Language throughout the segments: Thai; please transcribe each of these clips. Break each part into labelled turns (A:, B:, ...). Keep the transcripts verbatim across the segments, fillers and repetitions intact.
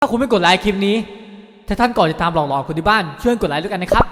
A: คุณไม่กดไลค์คลิปนี้ถ้าท่านก่อนจะตามหลอกหลอนคนที่บ้านช่วยกดไลค์ด้วยกันนะครับ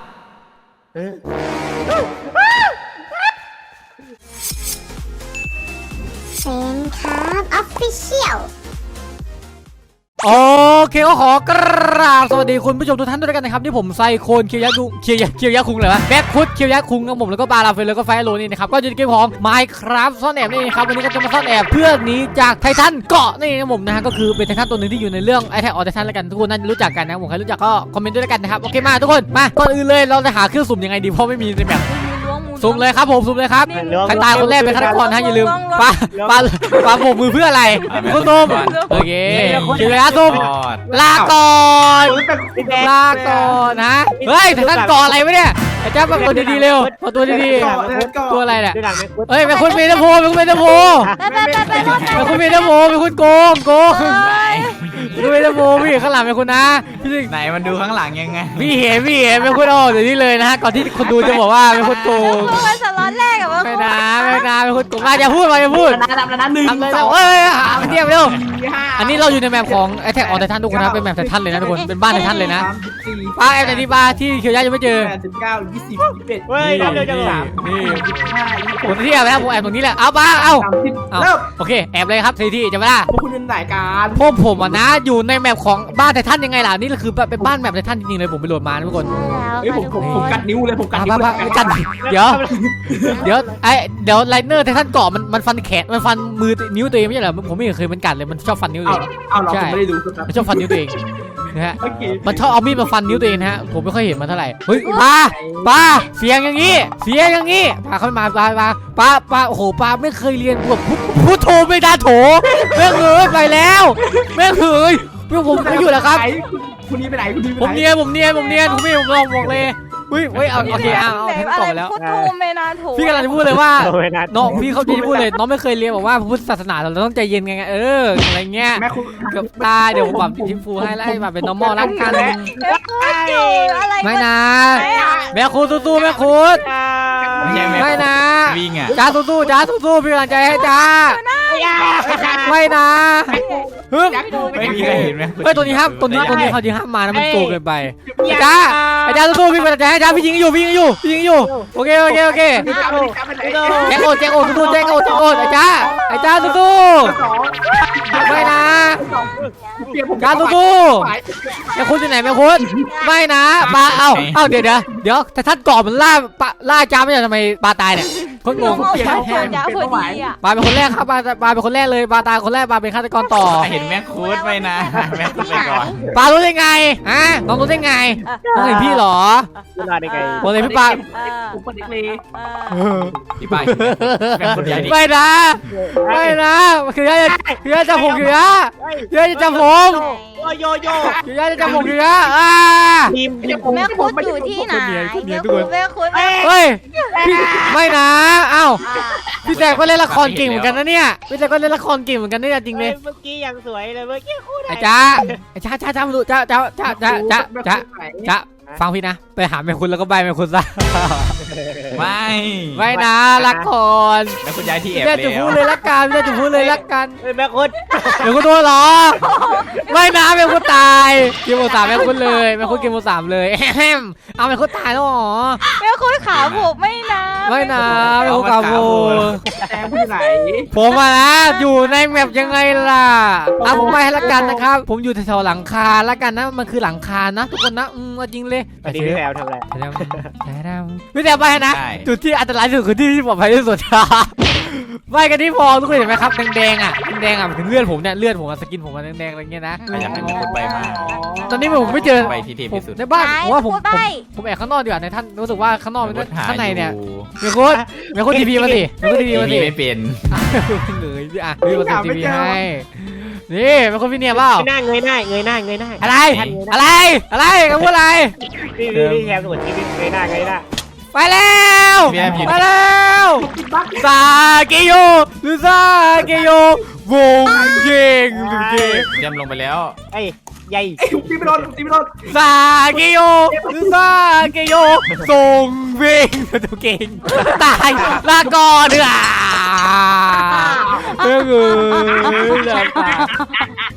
B: เซนครับออฟฟิเชียล
A: โอเคก็ขอกราบสวัสดีคุณผู้ชมทุกท่านด้วยกันนะครับที่ผมไซโคนเคียวยะคุงเคียวยะเคียวยะคุงเลยวะแบ็คคุดเคียวยะคุงกับผมแล้วก็บาราเฟลแล้วก็ไฟโลนี่นะครับก็อยู่ในเกมของ Minecraft ซ่อนแอบนี่ครับวันนี้ก็จะมาซ่อนแอบเพื่อหนีจากไททันเกาะนี่นะผมนะฮะก็คือเป็นไททันตัวหนึ่งที่อยู่ในเรื่องไอแท็กออไททันแล้วกันทุกคนน่าจะรู้จักกันนะผมใครรู้จักก็คอมเมนต์ด้วยกันนะครับโอเคมาทุกคนมาก่อนอื่นเลยเราจะหาเครื่องสุ่มยังไงดีเพราะไม่มีในแมปสุ่มเลยครับผมสุ่มเลยครับใครตายคนแรกเป็นฆาตกรนะอย่าลืมปาปาปาโบกมือเพื่ออะไรคุณสุ่มโอเคเคียวยะสุ่มลาก่อนลาก่อนนะเฮ้ยแต่ท่านก่ออะไรวะเนี่ยไอ้เจ้ามาตัวดีๆเร็วมาตัวดีๆตัวอะไรเนี่ยเฮ้ยเป็นคนเมตาโพเป็นคนเมตาโพเป็นคนเมตาโพเป็นคนโกงโกงเป็นเมตาโพพี่ข้างหลังเป็นคนนะพี่ไหนมันดูข้างหลังยังไงพี่เห็นพี่เห็นเป็นคนอ๋อเดี๋ยวนี้เลยนะฮะก่อนที่คนดูจะบอกว่าเป็นคนโกง
B: มันสล็อตแรกอะ
A: ไม่นะไม่นะเป็นคนโกงมาอย่าพูดมาอย่าพูด
C: ทำแล้วนะหนึ่งสอง
A: เฮ้ยหาเทียบเร็วอันนี้เราอยู่ในแมปของไอแท็กออนไททันทุกคนนะเป็นแมปไททันเลยนะทุกคนเป็นบ้านไททันเลยนะป้าแอบไหนที่ป้าที่เคียวยะยังไม่เจอ
C: แปดสิบเก้ายี่สิบยี่สิบเอ็ด
A: เฮ้ยเร็วจังเลยนี่ผมที่แอบแล้วผมแอบตรงนี้แหละเอาป้าเอาเอาโอเคแอบเลยครับทีที่จะไม่ได้
C: พวกคุณเป็นไหนกัน
A: พวกผมอ่ะนะอยู่ในแมปของบ้านไททันยังไงล่ะนี่คือเป็นบ้านแมปไททันจริงๆเลยผมไปโหลดมาทุกคน
C: เฮ้ยผมผมผมกัดนิ้วเลยผมกัดนิ้ว
A: กัดเดี๋ยวเดี๋ยวไอเดี๋ยวไลเนอร์ไททันเกาะมันมันฟันแขนมันฟันมือนิ้วตัวเองไม่ใช่เหรอผมไม่เคยมันกัดเลยมันชอบฟันนิ้วตัวเอง
C: เอาเราไม่ได้ดู
A: มันชอบฟันนิ้วตัวเองนะฮะมันชอบเอามีดมาฟันนิ้วตัวเองนะฮะผมไม่ค่อยเห็นมันเท่าไหร่เฮ้ยปลาปลาเสียงอย่างงี้เสียงอย่างงี้ปลาเข้ามาปลาปลาปลาปลาโอ้โหปลาไม่เคยเรียนแบบพูดโทไม่ได้โถแม่งเอ้ยไปแล้วแม่งเอ้ยพวกผมไม่อยู่แล้วครับ
C: คุณนี่ไปไหนคุณนี่ไปไหน
A: ผมเนียนผมเนียนผมเนียนผมไม่ผมลองบอกเลยเฮ้ยเฮ้ยเอาโอเคเอาเอาแทนต่อแล้วพี่กำลังจะพูดเลยว่าน้องพี่เขาจะพูดเลยน้องไม่เคยเรียนบอกว่าพุทธศาสนาเราต้องใจเย็นไงเอออะไรเงี้ยกับตาเดี๋ยวผมปรับทิมฟูให้แล้วให้แบบเป็น normal รักกันไม่นะแม่คุณสู้ๆแม่คุณไม่นะจ้าสู้ๆจ้าสู้ๆพี่กำลังใจให้จ้าไม่นะฮึบไม่มีใครเห็นไหมเฮ้ยตัวนี้ห้ามตัวนี้ตัวนี้เขาจริงห้ามมานะมันโกงเกินไปจ้าไอ้จ้าสู้ๆพี่กำลังใจให้จ้าพี่ยิงอยู่พี่ยิงอยู่พี่ยิงอยู่โอเคโอเคโอเคแจ็คโอแจ็คโอสู้ๆแจ็คโอแจ็คโอไอ้จ้าไอ้จ้าสู้ๆไม่นะจ้าสู้ๆแม่คุณอยู่ไหนแม่คุณไม่นะปลาเอ้าเอ้าเดี๋ยวเดี๋ยวเดี๋ยวแต่ท่านก่อมันล่าปลาล่าจ้าไม่ใช่ทำไมปลาตายเนี่ยคนงงปลาเป็นคนแรกครับปลาปลาเป็นคนแรกเลยปลาตายคนแรกปลาเป็นฆาตกรต่อ
D: เห็นแม่คูดไปนะแม่คูดไปก่อน
A: ปลารู้ได้ไงฮะน้องรู้ได้ไงน้องเห็นพี่หรอ
C: รู้ได้ไง
A: ผมเลยพี่ปลา
C: ผมเป็นเด็กเลย
D: พี่ปลา
A: ไม่นะไม่นะคือยาคือยาจะผมคือยาคือยาจะจับผม
C: โยโย่
A: คือยาจะจับผมคือยาอ่า
B: ทีมแม่คุณอยู่ที่ไหนแม่คุณแม่คุณ
A: เฮ้ยไม่นะเอ้าพี่แจ๊คก็เล่นละครเก่งเหมือนกันนะเนี่ยพี่แจ๊คก็เล่นละครเก่งเหมือนกันนี่จริงเลย
C: เมื่อกี้ยังสวยเลยเมื่อกี้คู่ไหน
A: ไอ้จ้าไอ้จ้าจ้าจ้ามาดูจ้าจ้าจ้าจ้าจ้าจ้าจ้าฟังพี่นะไปหาแม่คุณแล้วก็ใบแม่คุณซะ
D: ไม่
A: ไม่นะรักก่อน
D: แม่คุณย้ายที่แอบ
A: แล้วจะพูดเลยรักกันแล้วจะพูดเลยรักกัน
C: แม่คุณ
A: แม่คุณโดนหรอไม่นะแม่คุณตายกินหมดสามแม่คุณเลยแม่คุณกินหมดสามเลยแฮมเอาแม่คุณตายแล้วหรอ
B: แม่คุณขาผมไม่นะ
A: ไม่นะแม่คุณขาผม
C: แม่คุณไหน
A: ผมมานะอยู่ในแมปยังไงล่ะเอาผมไปให้ละกันนะครับผมอยู่แถวหลังคาละกันนะมันคือหลังคานะทุกคนนะอืมจริงเลย
C: อันนี้พี่แพรวทำอะไร
A: พี่แพรวไปนะจุดที่อันตรายที่สุดคือที่ที่ปลอดภัยที่สุดไปกันที่พอทุกคนเห็นไหมครับแดงๆอ่ะแดงๆอ่ะถึงเลือดผมเนี่ยเลือดผมสกินผมแดงๆอะไรเงี้ยนะ
D: อยากให้มีคนไปมา
A: ตอนนี้ผมไม่เจอ
D: ไปที่เทพที่สุด
A: ในบ้านผมว่าผมผมแอบข้างนอกดีกว่าในท่านรู้สึกว่าข้างนอกข้างในเนี่ยมีคนมีคนทีพีมาสิมีคนทีพีมาสิ
D: ไม่เป็น
A: เลยพี่อ่ะพี่มาสิทีพีให้นี่เป็นคนพี่เนี่ยเปล่า
C: หน้าเงยหน้าเงยหน้าเงยหน้า
A: อะไรอะไรอะไรกันพูดอะไร
C: พี่พี่พี่แคมสวนที่พี่เงยหน้าเงยหน้า
A: ไปแล้วไปแล้วซาเกโยลูซาเกโยวงเก่งเก่ง
D: ย่ำลงไปแล้ว
C: ไอ้ใหญ่ตีไม่โดนตีไม่โดน
A: ซาเกโยลูซาเกโยส่งเว่งตัวเก่งตายลาก่อนเด้อเฮ้ย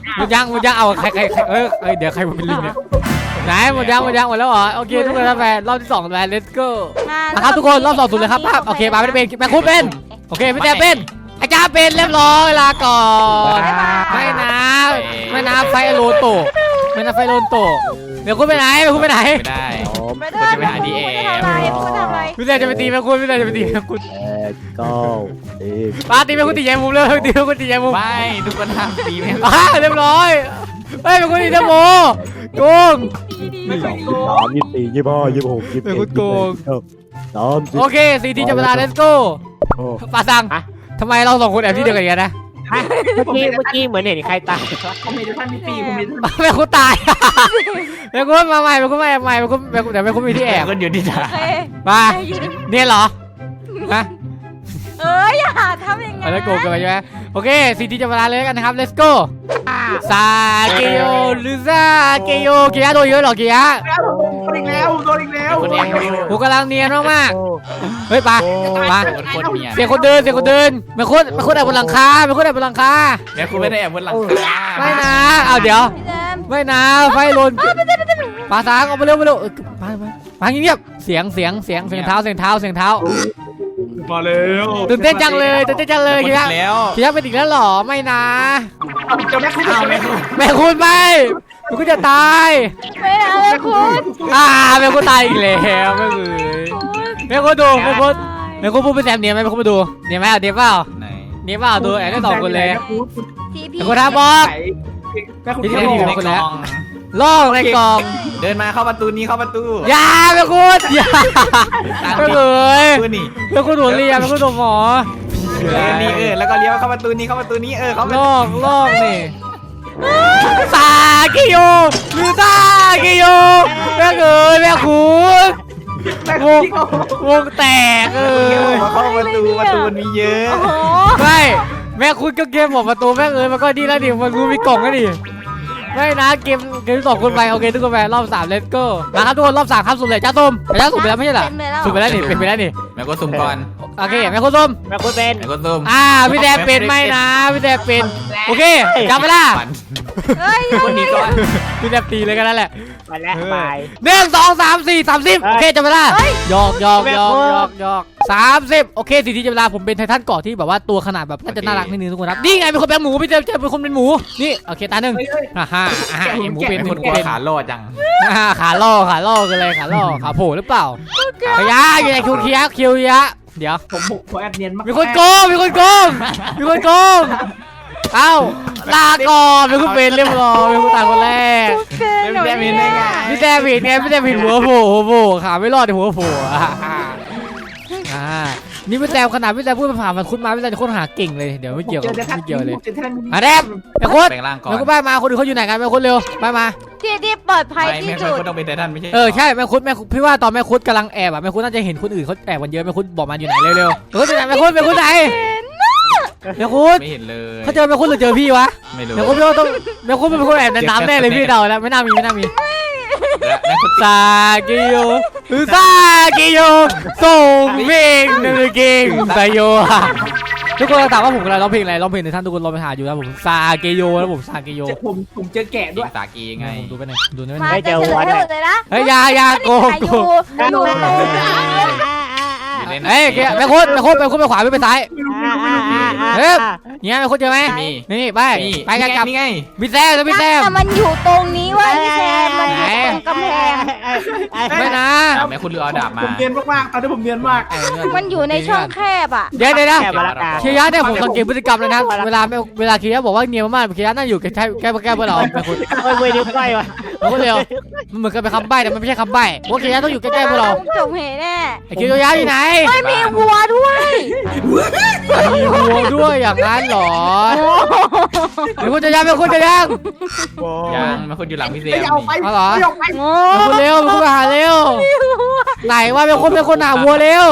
A: หมดยังหมดยังเอาใครใครใครเอ้ยเอ้ยเดี๋ยวใครมาเป็นลิงเนี่ยไหนหมดยังหมดยังหมดแล้วเหรอโอเคทุกคนครับแฟนรอบที่สองแฟน let's go นะครับทุกคนรอบสองสุดเลยครับภาพโอเคมาไม่ได้เป็นแม่คุณเป็นโอเคพี่แจ๊เป็นอาจารย์เป็นเรียบร้อยลาก่อนไม่นะไม่นะไฟโลโตไม่นะไฟโลโตเดี๋ยวคุณไปไหนเดี๋ยวคุณไปไหน
D: ไม่ได้
B: ไม่ได้ไม่ได้พูดทำอะไร
A: พี่แจ๊จะไปตีแม่คุณพี่แจ๊จะไปตีแม่คุณ
E: แปดเก้าสิบ
A: ปาตีแม่คุณตีแย่มุมเลยตีแม่คุณตีแย่มุม
D: ไม่ทุกคนห้ามตีแม่
A: อ่าเรียบร้อยเฮ้ยแม่คุณตีแย่โมโกง
E: ยี่สิบสองยี่สิบสามยี่สิบสี่ยี่สิบห้ายี่สิบหกยี่สิบเจ็ด
A: เป็นคนโกง
E: สามสิบ
A: โอเคสี่ทีจับเวลา let's go ปาซังทำไมเราสองคนแอบที่เดียวกันอย่างนี้นะ
C: เมื่อกี้เมื่อกี้เหมือนเห็นใครตาย
F: ผมมีท่านมีปีผมมี
A: แม่คุณตายแม่คุณมาใหม่แม่คุณมาใหม่แม่คุณแม่คุณเดี๋ยวแม่คุณมีที่แอบ
D: คนอยู่ที่ไหน
B: โอเค
A: มาเนี่ยเหรอฮะ
B: เอ้ยอย่าทำอย่าง
A: อะ
B: งั้น
A: ไรโกงกันไปใช่ไหมโอเคสี่ทีจับเวลาเลยกันนะครับ let's go ซาเกโยหรือซาเกโยเกียร์โดนเยอะหรอเกียร์
F: โดนอีกแล้วโดนอีกแล้ว
D: คนเอง
A: กูกำลังเนียนมากๆเฮ้ยปามา
D: คนคนเมีย
A: เสียงคนเดินเสียงคนเดินแม่คุณแม่คุณแอบบนหลังคาแม่คุณแอบบนหลังคา
D: แม่คุณไม่ได้แอบบนหลังคา
A: ไม่นะเอาเดี๋ยว
B: พี่แจม
A: ไม่นะไฟลนปาสางเอาไปเร็วไปเร็วเออมามามาเงียบเสียงเสียงเสียงเสียงเท้าเสียงเท้าเสียงเท้า
F: มาเร็ว
A: ตื่นเต้นจังเลยตื่นเต้นจังเลย
D: คน
A: คิดว่า
D: แล้ว
A: คิดว่าเป็นอีกแล้วหรอไม่นะ
F: เจ้าแม่คุณ
D: เอา
F: เจ้า
D: แม่
F: แม่
D: คุ
F: คุณ ณ
A: แม่คุณไม่แม่คุณจะตาย
B: ไม่นะแม่คุณ
A: อ่าแม่คุณตายอีกแล้วแม่คุณแม่คุณดูแม่คุณแม่คุณพูดเป็นแซมเนียไหมแม่คุณมาดูเนียไหมเอาเนียเปล่า
D: ไหน
A: เนียเปล่าดูแอบได้สองคนเลย
B: ทีพี
A: แม่คุณท้าบอก
F: แม่คุณ
A: ที่
F: ที่
A: ไม่
F: ไม่
A: ดี
F: ดี
A: ข
D: ใน
A: องคน
D: ก
A: แล้
D: ล่
A: ว
D: อง
A: ล่องในกล่อง
D: เดินมาเข้าประตูนี้เข้าประตู
A: อย่าแม่คุณอย่าแม่เลย
D: ประตูนี่
A: แม่คุณหัวเรียแม่คุณตัวหมอ
D: เออนี่เออแล้วก็เลี้ยวเข้าประตูนี้เข้าประตูนี้เออเขา
A: ลอกลอกนี่ซากิโยหรือซากิโยแม่เอ๋ยแม่คุณ
F: แม่
A: ว
F: คุณ
A: ง
F: ที่เขา
A: วงแตกเออ
D: เข้าประตูประตูมันมีเยอะ
B: โอ้โห
A: ไม่แม่คุณก็เกมบอกประตูแม่เอ๋ยมันก็ดีแล้วดิมันรู้มีกล่องก็ดิไม่นะเกมเกมสองคนไปโอเคทุกคนไปรอบสามเลตโก้มาครับทุกคนรอบสามครับสุดเลยจ้าส้มจ้าสุ่มไปแล้วไม่ใช่เหรอ
B: เป็นไปแล้ว
A: สุ่มไปแล้วนี่เป็นไปแล้วนี่
D: แม่ก็ซุ่มก่อน
A: โอเคแม่คุณส้ม
C: แม่คุณเป็น
D: แม่ก็ซุ่ม
A: อ่าพี่แดงเป็นไหมนะพี่แดงเป็นโอเคจับเวลา
D: ปั่น
B: เฮ้ย
D: คนนี้ก่อน
A: พี่แดงตีเลยกันนั่นแหละ
C: มาแล้วบาย
A: หนึ่งสองสามสี่สามสิบโอเคจับเวลาหยอกหยอกหยอกหยอกหยอกสามสิบโอเคสี่ทีจับเวลาผมเป็นไททันเกาะที่แบบว่าตัวขนาดแบบน่าจะน่ารักนิดนึงทุกคนครับนี่ไงเป็นคนเป็นหมูพี่เจมเจมเป็นคนเป็นหมูนี่โอเคตาหนึ่งอ่าฮะอ่าฮะหมูเป็น
D: เป็น
A: ห
D: ค
A: มู
D: นกลัว
A: เป็น
D: ขาล่อจัง
A: อ่าขาล่อขาล่อกันเลยขาล่อขาโผล่หรือเปล่าขยะอยู่ในคิวเคียคิวยะเดี๋ยว
F: ผมบุกผมแอบเนียนมาก
A: มีคนโกงมีคนโกงมีคนโกงเอ้าลาก่อนเป็นคนเป็นเรียบร้อยเป็นคนตายคนแรก
B: เป็นหนูเนี่ย
A: พี่แดวิดไงพี่แดวิดหัวโผล่หัวโผล่ขาไม่รอดแต่หัวโผล่อ่ะอ่านี่พี่แดวขนาดพี่แดวพูดมาผ่านมันคุ้นมาพี่แดวจะค้นหาเก่งเลยเดี๋ยวไม่เกี่ยวกับไม่เกี่ยวเลย
F: เจอท่าน
A: อ่ะแดบไอ้โค้ด
D: แปลงร่างก่อน
A: แม่โค้ดไปมาคนอื่นเขาอยู่ไหนกันแม่โค้ดเร็วไปมา
B: ที่ที่ปลอดภัย
D: ไม่
B: ที่
D: แม่
B: สุด
D: คนต้องเป็นไททันไม่ใช่
A: เออใช่แม่โค้ดแม่พี่ว่าตอนแม่โค้ดกำลังแอบอ่ะแม่โค้ดน่าจะเห็นคนอื่นเขาแอบกันเยอะแม่โค้ดบอกมาอยู่ไหนเร็วๆแม่โค้ดอยู่ไหนแม่โค้ดแม่โค้ดไหนแม่โค้ด
D: ไม่เห็นเลย
A: เขาเจอแม่โค้ดหรือเจอพี่วะ
D: ไม่รู้
A: แม่โค้ดพี่ว่าต้องแม่โค้ดเป็นคนแอบในน้ำแน่เลยพี่เดาแล้วไม่น่ามีไม่น่ามี
D: แม่คุณ
A: ซากิโยซากิโยส่งเพลงหนึ่งเก่งไซโยทุกคนถามว่าผมกำลังร้องเพลงอะไรร้องเพลงในท่านทุกคนลองไปหาอยู่นะผมซาเกโยแล้วผมซาเกโย
F: ผมผมเจอแกะ
D: ด้
F: ด้
D: ว
F: วย ย
D: สากีไง
A: ผมดูไปหน่อยดูได้ไหม
B: มาจะเฉลยให้หมดเลยนะ
A: เฮ้ยยายาโก
B: อ
A: โก
B: ยู่อยู่ตรงนี้
A: เฮ้ยแม่โคตรแม่โคตรแม่โคตรไปขวาไม่ไปซ้ายเฮ้ยเนี่ยแม่โคตรเจอไหมนี่ไปไปกันกับ
D: นี่ไง
A: พี่แซมแล้วพี่แซม
B: แต่มันอยู่ตรงนี้เว่าพี่แซมมันอยู่ตรงกำแพง
A: ไม่นะ
D: แม่คุณเรือเอาดาบมา
F: ผมเนียนมากๆตอนนี้ผมเนียนมาก
B: มันอยู่ในช่องแคบอ่ะ
A: เดี๋ยวเดี๋ยวนะ
C: แค่มาละกา
A: เคียร์เนี่ยผมสังเกตพฤติกรรมเลยนะเวลาเวลาเคียร์บอกว่าเนียมากๆเคียร์น่าอยู่แก้แก้แก้เพื่อเราแม่คุณ
C: โอ้ยมือนิ้วก้อยวะ
A: เราก็เร็วมันเหมือนกับเป็นคำใบ้แต่มันไม่ใช่คำใบ้ว่าเคียร์ต้องอยู่ใกล้ๆพวกเรา
B: จบเหตุแน่
A: ไอ้เคียร์ยาวอยู่ไหน
B: ไม่มีวัวด้วย
A: มีวัวด้วยอย่างนั้นเหรอแม่คุณจะยังแม่คุณจะยัง
D: ยังแม่คุณอยู่หลังพี่เซม
F: ไม่เอาไป
A: เอาเหรอ
F: ไม่เอาไป
B: โอ้
A: แม่คุณเร็วแม่คุณมาหาเร็วไหนว่าแม่คุณเป็นคนหาวัวเร็ว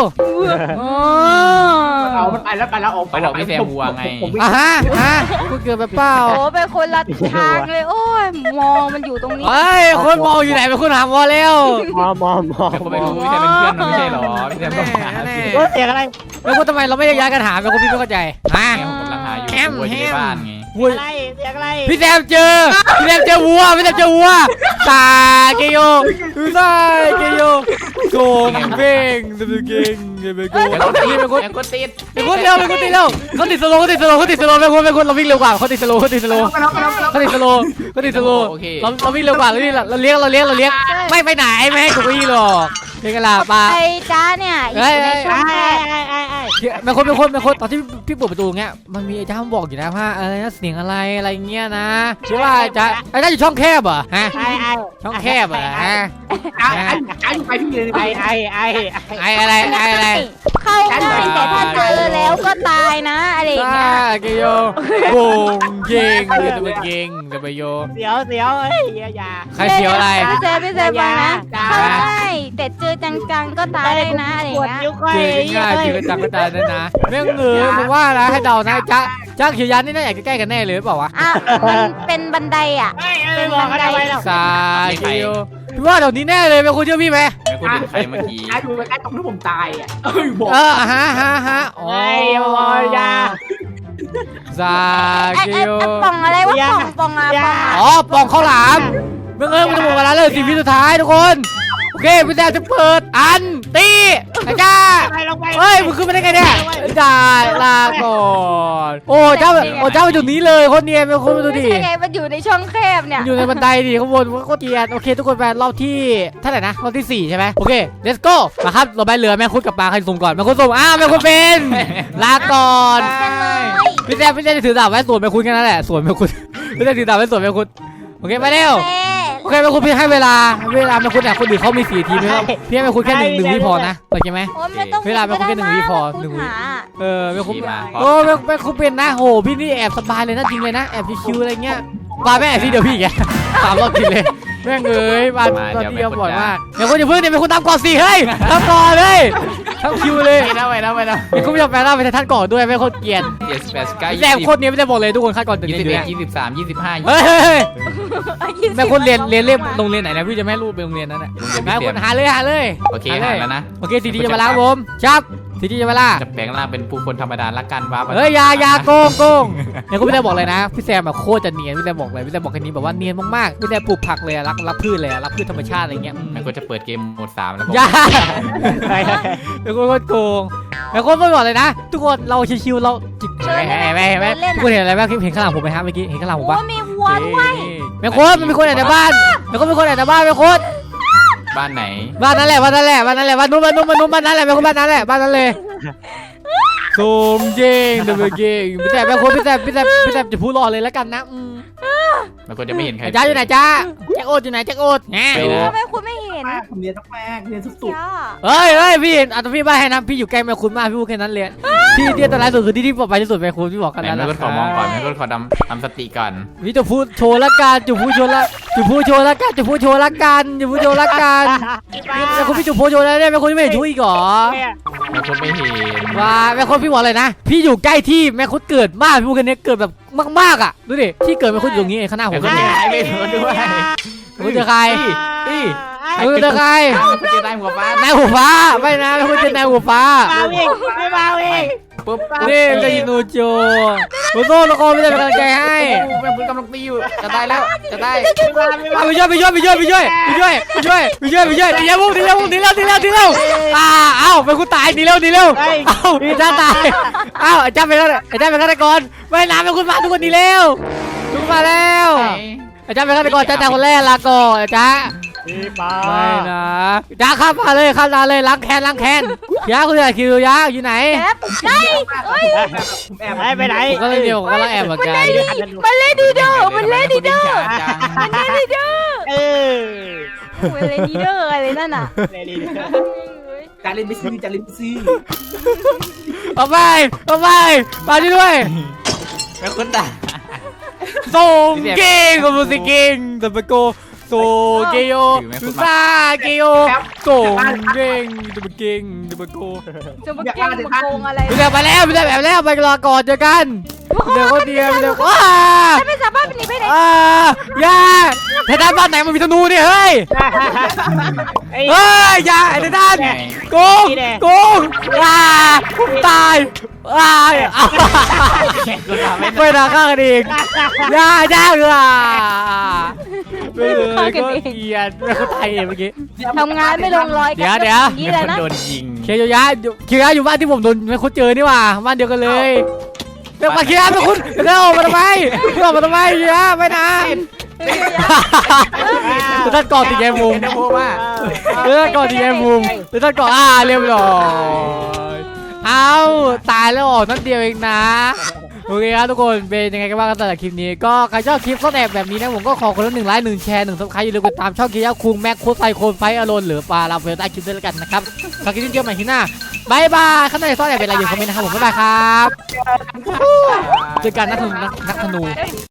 F: เอามันไปแล้วไปแล้วออกไป
D: เขาบอกพี่เซมวัวไง
A: อ่ะฮะฮะคุณเกิดแบบเปล่า
B: โหเป็นคนละทางเลยโอ้ยมองมันอยู่ตรงนี้
A: เฮ้ยคนมองอยู่ไหนเป็นคนหาวัวเร็ว
C: มอมอมอ
D: แม่คุณไม่รู้พี่เซมเป็นเพื่อนมันไม่ใช่หรอพี่เซมต้องหา
A: แน่
C: โอ้เสียงอะไร
A: แม่คุณทำไมเราไม่ย้ายกันหาแม่คุณพี่ไม่เข้าใจฮะ
D: แม่ผมกำลังหาอยู่วัวอยู่ในบ้านไง
A: วัว
C: อะไรเสียงอะไร
A: พี่แซมเจอพี่แซมเจอวัวพี่แซมเจอวัวตาเกโยตาเกโยโกงเบ่งเดบเก่งเดบโกงนี่เป็นคน
D: แม่คนติด
A: เป็นคนเร็วเป็นคนติดเร็วเขาติดสโลเขาติดสโลเขาติดสโลเป็นคนเป็นคนเราวิ่งเร็วกว่าเขาติดสโลเขาติดสโลเขาติดสโลเขาติดสโลเราเราวิ่งเร็วกว่าเราเราเลี้ยงเราเลี้ยงเราเลี้ยงไม่ไปไหนไม่ให้กูวิ่งหรอกเพียงกะลาปลา
B: ไอ้จ้าเนี่ยอยู่ในช่องแคบ
A: เป็นคนเป็นคนเป็นคนตอนที่พี่เปิดประตูเงี้ยมันมีไอ้จ้าบอกอยู่นะว่าอะไรนะเสียงอะไรอะไรเงี้ยนะใช่ว่าจ้าไอ้จ้าอยู่ช่องแคบเหรอฮะ
C: ไอ้ไอ้
A: ช่องแคบเหรอฮะ
F: ไอ้ไอ้ไปพี่เลย
C: ไอ้ไอ้ไอ้
A: ไอ้อะไรไอ้อะไร
B: เข้าง่ายแต่ถ้าเจอแล้วก็ตายนะอะไรอย่าง
A: ซา
B: เงี้ย
A: เกโยโกงเก่งเดบเก่งเดบโย
C: เสียวเสียวเอ้ยอย่า
A: ใครเสียวอะไร
B: พี่เซฟพี่เซฟฟังนะเข้าง่ายแต่เจอจังๆก็ตายเลยนะอะไรอ
C: ปวด
B: ย่าง
C: นิ้
B: เงี้
C: วย ก้อย
A: เจอง่ายเจอจังก็ตายนั่นนะแม่งเงยผมว่านะให้เดานะจ้าจ้าเขียวยันนี่น่าอยากจะใกล้กันแน่เลยหรือเปล่าวะ
B: อ่ะมันเป็นบันไดอ่ะ
C: ไม่ไม่บอกอะไรไปหรอก
A: ซาเกโยพี่ว่าเดี๋ยวนี้แน่เลยเป็นคนเชื่อพี่ไหม
D: แม่คนติดใครเมื่อกี้
F: ไอ้ดูไอ้ตรงที่ผมตายอ่ะเอ้ยบอก
A: เออฮะฮะฮะอ๋อ
C: ไอ้บอยา
A: ซา
B: ไอ้
A: เก
B: ไอ้
A: โย
B: ป่องอะไรวะป่องป่องอะป่องอะ
A: อ๋อปองข้าวหลามเมื่อเงินมันจะหมดเวลาเลยสี่วิสุดท้ายทุกคนโอเคพี่แซมจะเปิดอันตีไอ้จ้า
C: ไปลงไป
A: เฮ้ยมึงขึ้นมาได้ไงเนี่ยได้ลาก่อนโอ้เจ้าโอ้เจ้ามาอยู่นี้เลยคนเนียนเป็นคนมาดู
B: ไม่
A: ดิ
B: ใช่ไงมันอยู่ในช่องแคบเนี่ย
A: อยู่ในบันไดดิข้างบนมันก็เกลียดโอเคทุกคนไปรอบที่เท่าไหร่นะรอบที่สี่ใช่ไหมโอเค let's go มาครับเราไปเหลือแม่คุดกับปลาใครสุ่มก่อนแม่คุดสุ่มอ้าวแม่คุดเป็นลาก่อน
B: กันเลย
A: พี่แซมพี่แซมจะถือดาบไว้สวนแม่คุดแค่นั้นแหละสวนแม่คุดพี่แซมถือดาบไว้สวนแม่คุดโอเคไปเร็ว
B: แม่
A: โอเคแม่คุดพี่ให้เวลาเวลาแม่คุดเนี่ยคนอื่นเขามีสี่ทีมนะครับพี่ให้แม่คุดแค่หนึ่งหนึ่งวิพอนะโอเคไหม
B: โอ้ยไม่ต้อง
A: เวลาไม่ต้องแค่หนึ่งวิพอหนึ่งวิ
B: หา
A: เออแม่คุด
D: ขี่มา
A: โอ้แม่แม่คุดเป็นนะโหพี่นี่แอบสบายเลยนะจริงเลยนะแอบชิวๆอะไรเงี้ยปาแม่พี่เดี๋ยวพี่แกสามรอบกินเลยแม่งเอ้ยปาตอนนี้บ่อยมากแม่คุดอย่าเพิ่งเนี่ยแม่คุดตามก่อนสิเฮ้ยตามก่อนเลยทั้งคิวเลย
D: ไปนะไปนะไปนะ
A: แม่คุดไม่ยอมแปลงร่างเป็นท่านก่อนด้วยแม่คุดเกลียด
D: เจ็ดสิบแปดสิบเก้ายี่
A: แซม
D: สิบ
A: โคตรเนี้ยไม่ได้บอกเลยทุกคนคาดก่อนตื่น
D: ยี่
A: เต้
D: สิ
A: น
D: บ
A: อยู่
D: เอ็ด
A: เนี่ย
D: ยี่สิบสามยี่สิบห้า
A: เฮ้ยเฮ้ยเฮ้ยแม่คุดเรียนเรียนเรียนโรงเรียนไหนนะพี่จะไม่ให้ลูกไปโรงเรียนนั้นแหละแม่คุดหาเลยหาเลย
D: โอเคหาแล้วนะ
A: โอเคทีทีจะมาล้างผมชับทีทีจะมาล่า
D: จะแปลงร่างเป็นผู้คนธรรมดาละกันว้า
A: เฮ้ยอยาอยาโกงโกงเนี่ยคุณพี่แซมบอกเลยนะพี่แซมแบบโคตรจะเนียนพี่แซมบอกเลยพี่แซมบอกแค่นี้แบบว่าเนียนมากๆพี่แซมปลูกผักเลยอะรักรักพืชเลยอะรักพืชธรรมชาติอะไรเงี้ย
D: แม่ก็จะเปิดเกมโหมดสามแล้ว
A: อยาเป็นคนโคตรโกงเป็นคนไม่บอกเลยนะ ทุกคนเราชิวๆเราจิบไม่ไม่ไม่ทุกคนเห็นอะไรบ้างเห็นข้างหลังผมไหมครับเมื่อกี้เห็นข้างหลังผม
B: โอ้
A: ปะ
B: มีวัวด้วย
A: แม่โคตรมันมีคนแอบในบ้านแม่โคตรมีคนแอบในบ้านแม่โคตร
D: บ้านไหน
A: บ้านนั้นแหละบ้านนั้นแหละบ้านนั้นแหละบ้านนู้นบ้านนู้นบ้านนู้นบ้านนั้นแหละแม่โคตรบ้านนั้นแหละบ้านนั้นเลยซูมเก่งเดบิวเก่งพี่แซมแม่โคตรพี่แซมพี่แซมพี่แซมจะพูดรอเลยแล้วกันนะอืม
D: แม่ก็จะไม่เห็นใคร
A: จ้าอยู่ไหนจ้าแจ็คโอ๊ตอยู่ไหนแจ็คโอ๊ตแง่
D: ไปนะ
B: ทำไมคุณไม่เห็น
F: แม่ผมเรียนต้องแม่เรียนสุด
B: จ้า
A: เฮ้ยเฮ้ยพี่อ่ะแต่พี่บ้าให้นะพี่อยู่ใกล้แม่คุณมากพี่พูดแค่นั้นเลยที่ที่อันตรายสุดคือที่ที่ปลอดภัยที่สุดแม่คุณพี่บอกกัน
D: ไหน
A: แล้ว
D: แม่
A: นะ
D: ก็ขอมองก่อนแม่ก็ขอทำทำสติก่อน
A: พี่จะพูดโชว์ละกันจะพูดโชว์ละจะพูดโชว์ละกันจะพูดโชว์ละกันจะพูดโชว์ละกันแม่คุณพี่จะพูดโชว์แล้วเนี่ยแม่คุณไม่เห็นช่วยอีกเหรอ
D: แม่คนไม่เห็น
A: ว่าแม่คุณพี่บอกเลยนะ พี่อยู่ใกล้ที่แม่คุณเกิดมากพี่พูดแค่นี้เกิดแบบมากๆอ่ะดูดิที่เกิดแม่คุณอยู่ตรงนี้เองข้างหน้าผ
D: แม่
A: ม
D: ก็
A: นี่
D: หายไปโดนด้วย
A: คุณเจอใคร
D: พี่
A: คุณเจอใคร
D: มันจะได้หัวฟ้าน
A: ายหัวฟ้าไม่นะแม่คุณเจอนายหัวฟ้า
C: มาเองไม่มาเอง
D: ปุ๊บ
A: นี่มันจะยินโนโจโอ้โหละครไม่ได้เป็นกำลังใจให้
D: แม่คุณกำลังตีอยู่จะได้แล้วจะได้
A: เอาไปช่วยไปช่วยไปช่วยไปช่วยไปช่วยไปช่วยไปช่วยไปช่วยตีแล้วพวกตีแล้วพวกตีแล้วตีแล้วตีแล้วอ่าเอ้าไปกูตายตีแล้วตีแล้วเอ้าพี่จ้าตายเอ้าไอ้จ้าเป็นอะไรไอ้จ้าเป็นฆาตกรไม่น้ำเป็นคุณมาทุกคนตีแล้วทุกมาแล้วไอ้จ้าเป็นฆาตกรจ้าตายคนแรกลาก่อนไอ้จ้า
C: พี่ปา
A: ไม่นะจ้าข้ามมาเลยข้ามมาเลยล้างแค้นล้างแค้นยาคุณจะคิวยาอยู่ไหน
B: แอบได้เอ้ย
F: ผมแอบ
C: ไปไปไหน
A: ผมก็เลยเดียวผมก็เลยแอบเหมือนกัน
B: มันเล่นดีเด้อมันเล่นดีเด้อ
D: จัง
B: มันเล่นดีเด้อ
C: เออ
B: มันเล่นดีเด้ออะไรนั่นน่ะ
C: เลยดี
F: การเล่นไม่ซื้อจะเล่นไม่ซื้อ
A: เอาไปเอาไปมาด้วย
D: แม่คุณด่า
A: ส่งเก่งกับมูสิเก่งแต่ไปโกโซเกโยซาเกโยส่งเก่งแต่ไปเก่งแต่ไปโก
B: จะมาเก่งมาโกงอะไร
A: ไปเดี๋ยวไปแล้วไปเดี๋ยวแบบแล้วไปรอก่อนเจอกันเดี๋ยวก็เดียวเดี๋ยวว้า
B: ไม่สามารถหหนีไปไหน
A: อ่าอย่าไททันบ้านไหนมันมีธนูเนี่ยเฮ้ย
C: ไอ้
A: เฮ้ยอย่าไอ้ไททันโกงโกงอ่าผมตายอ่าอ่าไม่น่าฆ่ากันเองอย่าอย่าเลยอ่ะเออก็เกลียดไม่เข้าใจเมื่อกี้
B: ทำงานไม่ลงรอยกัน
A: เดี๋ยวเดี๋ยว
B: นี่เลยนะ
D: โดนยิง
A: เคียวยะเคียวยะอยู่บ้านที่ผมโดนไม่คุ้นเจอนี่หว่าบ้านเดียวกันเลยเดี๋ยวมาเคียร์มาคุณเดี๋ยวออกมาทำไมเดี๋ยวออกมาทำไมเคียร์ไม่นะจะตัดก่อนตีแกมุม
D: เดี๋ยวพูดว่า
A: เดี๋ยวตัดก่อนตีแกมุมเดี๋ยวตัดก่อนอ่าเรียบร้อยเอาตายแล้วออกนั่นเดียวเองนะโอเคครับทุกคนเป็นยังไงกันบ้างกันสำหรับคลิปนี้ก็ใครชอบคลิปซ่อนแอบแบบนี้นะผมก็ขอคนละหนึ่งไลค์หนึ่งแชร์หนึ่งซับสไครต์อย่าลืมกดตามช่องเกียร์คุงแม็กโคไซโคนไฟอารอนหรือปลาลาเฟลใต้คลิปด้วยแล้วกันนะครับฝากคลิปนี้เจอกันใหม่ที่หน้าบายบายข้างในซ่อนแอบเป็นอะไรอยู่คอมเมนต์นะครับผมบ๊ายบายครับเจอกันนักธนูนักธนู